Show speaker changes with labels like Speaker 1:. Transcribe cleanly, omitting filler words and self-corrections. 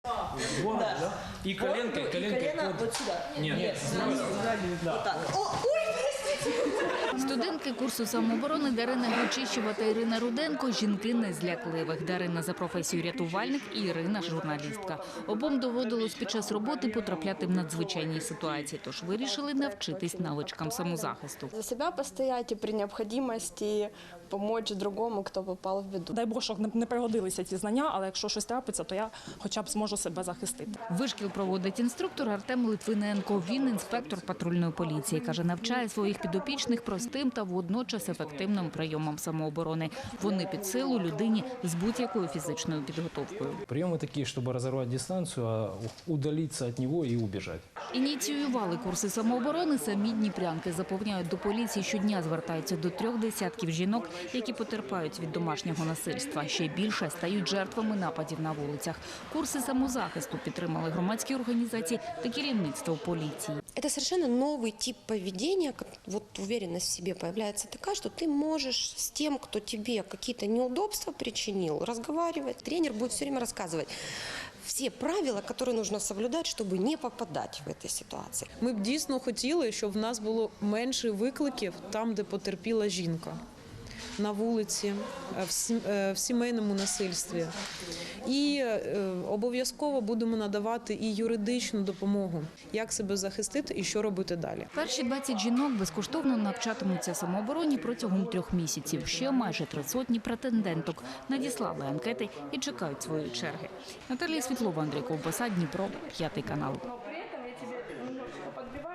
Speaker 1: Вот, да? И коленкой,
Speaker 2: Вот,
Speaker 1: коленкой.
Speaker 2: и колено
Speaker 1: под-
Speaker 2: вот сюда.
Speaker 1: Нет,
Speaker 2: Вот так.
Speaker 3: Студентки курсу самооборони Дарина Гучищева та Ірина Руденко – жінки незлякливих. Дарина за професією рятувальник і Ірина – журналістка. Обом доводилось під час роботи потрапляти в надзвичайні ситуації, тож вирішили навчитись навичкам самозахисту.
Speaker 4: За себя постоять и при необходимости помочь другому, кто попал в беду.
Speaker 5: Дай Бог, щоб не пригодилися ці знання, але якщо щось трапиться, то я хоча б зможу себе захистити.
Speaker 3: Вишкіл проводить інструктор Артем Литвиненко. Він інспектор патрульної поліції. Каже, навчає своїх підопічних простим та водночас ефективним прийомам самооборони. Вони під силу людині з будь-якою фізичною підготовкою.
Speaker 1: Приемы такие, чтобы разорвать дистанцию, а удалиться от него и убежать.
Speaker 3: Ініціювали курси самооборони самі дніпрянки. Запевняють, до поліції щодня звертаються до 3 десятків жінок, які потерпають від домашнього насильства. Ще більше стають жертвами нападів на вулицях. Курси самозахисту підтримали громадські організації та керівництво поліції.
Speaker 6: Это совершенно новый тип поведения, вот уверенность в себе появляется такая, что ты можешь с тем, кто тебе какие-то неудобства причинил, разговаривать. Тренер будет все время рассказывать все правила, которые нужно соблюдать, чтобы не попадать в этой ситуации.
Speaker 7: Ми б дійсно хотіли, щоб в нас було менше викликів там, де потерпіла жінка. На вулиці, в сімейному насильстві. І обов'язково будемо надавати і юридичну допомогу, як себе захистити і що робити далі.
Speaker 3: Перші 20 жінок безкоштовно навчатимуться самообороні протягом 3 місяців. Ще майже 300 претенденток надіслали анкети і чекають своєї черги. Наталія Світлова, Андрій Ковбаса, Дніпро, 5 канал.